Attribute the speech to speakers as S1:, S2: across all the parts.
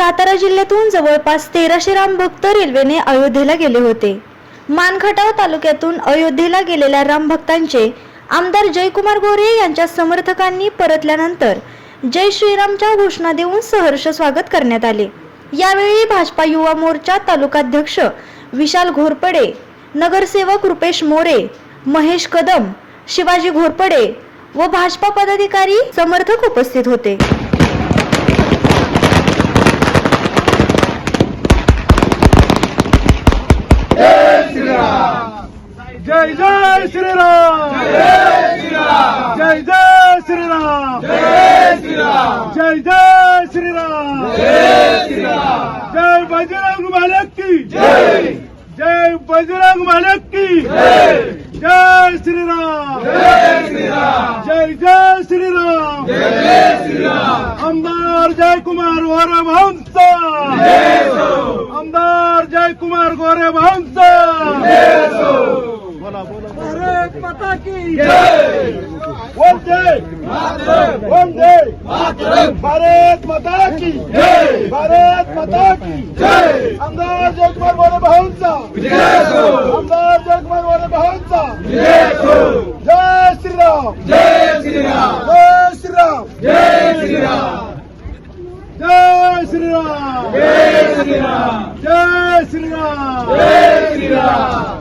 S1: सातारा जिल्ह्यातून जवळपास 1300 रामभक्त रेल्वेने अयोध्येला गेले होते। मानखटाव तालुक्यातून अयोध्येला गेलेल्या रामभक्तांचे आमदार जयकुमार गोरे यांच्या समर्थकांनी परतल्यानंतर जय श्रीरामच्या घोषणा देऊन सहर्ष स्वागत करण्यात आले। यावेळी भाजपा युवा मोर्चा तालुकाध्यक्ष विशाल घोरपडे, नगरसेवक रुपेश मोरे, महेश कदम, शिवाजी घोरपडे व भाजपा पदाधिकारी समर्थक उपस्थित होते।
S2: जय जय श्रीराम, जय श्रीराम, जय जय श्रीराम, जय श्रीराम, जय जय श्रीराम, जय श्रीराम, जय बजरंग बालक की जय, जय बजरंग बालक की जय, जय श्रीराम, जय श्रीराम, जय जय श्रीराम, जय श्रीराम। आमदार जयकुमार गोरे भाऊंचा, आमदार जयकुमार गोरे भाऊंचा, भारत माता की जय, वंदे वंदे भारत माता की जय, भारत माता की जय। आमदार जयकुमार गोरे भाऊंचा, आमदार जयकुमार गोरे भाऊंचा, जय श्रीराम, जय श्रीराम, जय श्रीराम, जय श्रीराम, जय श्रीराम, जय श्रीराम, जय श्रीराम, जय श्रीराम।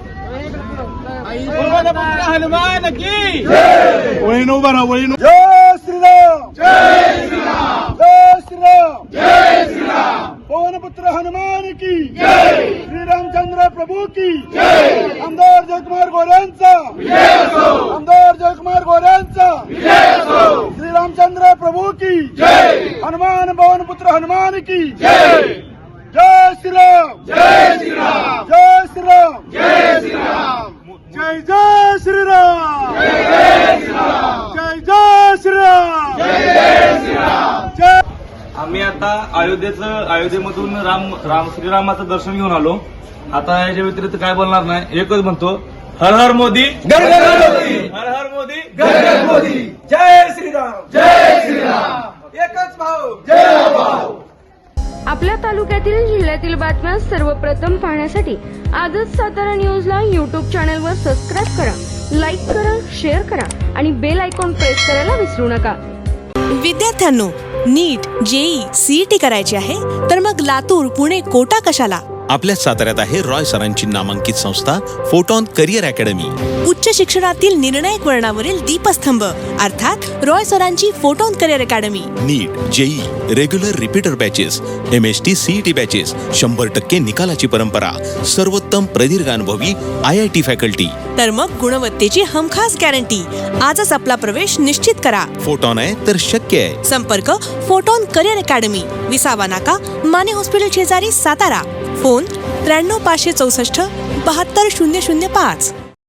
S2: हनुमान की वहीनो बरा वहीनो। जय श्रीराम, जय श्रीराम, जय श्रीराम, जय श्रीराम। पवन पुत्र हनुमान की जय, श्री रामचंद्र प्रभु की जय। आमदार जयकुमार गोरेंचा विजय असो, आमदार जयकुमार गोरेंचा विजय असो। श्री रामचंद्र प्रभु की जय, हनुमान पवन पुत्र हनुमान की जय। जय श्रीराम, जय श्रीराम, जय श्रीराम, जय श्रीराम, जय जय श्रीराम, जय जय श्रीराम, जय जय श्रीराम, जय जय श्रीराम, जय।
S3: आम्ही आता अयोध्येमधून श्रीरामाचं दर्शन घेऊन आलो। आता याच्या व्यतिरिक्त काय बोलणार नाही, एकच म्हणतो, हर हर मोदी, घर घर मोदी, हर हर मोदी, घर घर मोदी। जय श्रीराम, जय श्रीराम, एकच भाऊ, जय भाऊ।
S4: आपल्या तालुक्यातील जिल्ह्यातील बातम्या सर्वप्रथम पाहण्यासाठी आजच सातारा न्यूजला यूट्यूब चॅनलवर सबस्क्राईब करा, लाईक करा, शेअर करा आणि बेल आयकॉन प्रेस करायला विसरू नका।
S5: विद्यार्थ्यांनो, नीट, जेई, सीईटी करायची आहे तर मग लातूर, पुणे, कोटा कशाला?
S6: आपल्या साताऱ्यात आहे रॉय सरांची नामांकित संस्था फोटॉन करिअर अकॅडमी।
S5: उच्च शिक्षणातील निर्णायक वळणावरील दीपस्तंभ अर्थात रॉय सरांची photon career academy.
S6: NEET, JEE, regular repeater batches, MST CET batches, 100% निकालाची परंपरा, सर्वोत्तम प्रदीर्घ अनुभवी IIT फॅकल्टी।
S5: तर मग गुणवत्तेची हमखास गॅरंटी। आजच आपला प्रवेश निश्चित करा।
S6: फोटॉन आहे तर शक्य आहे।
S5: संपर्क फोटॉन करिअर अकॅडमी, विसावा नाका, माने हॉस्पिटल शेजारी, सातारा। फोन 93 564 72 005।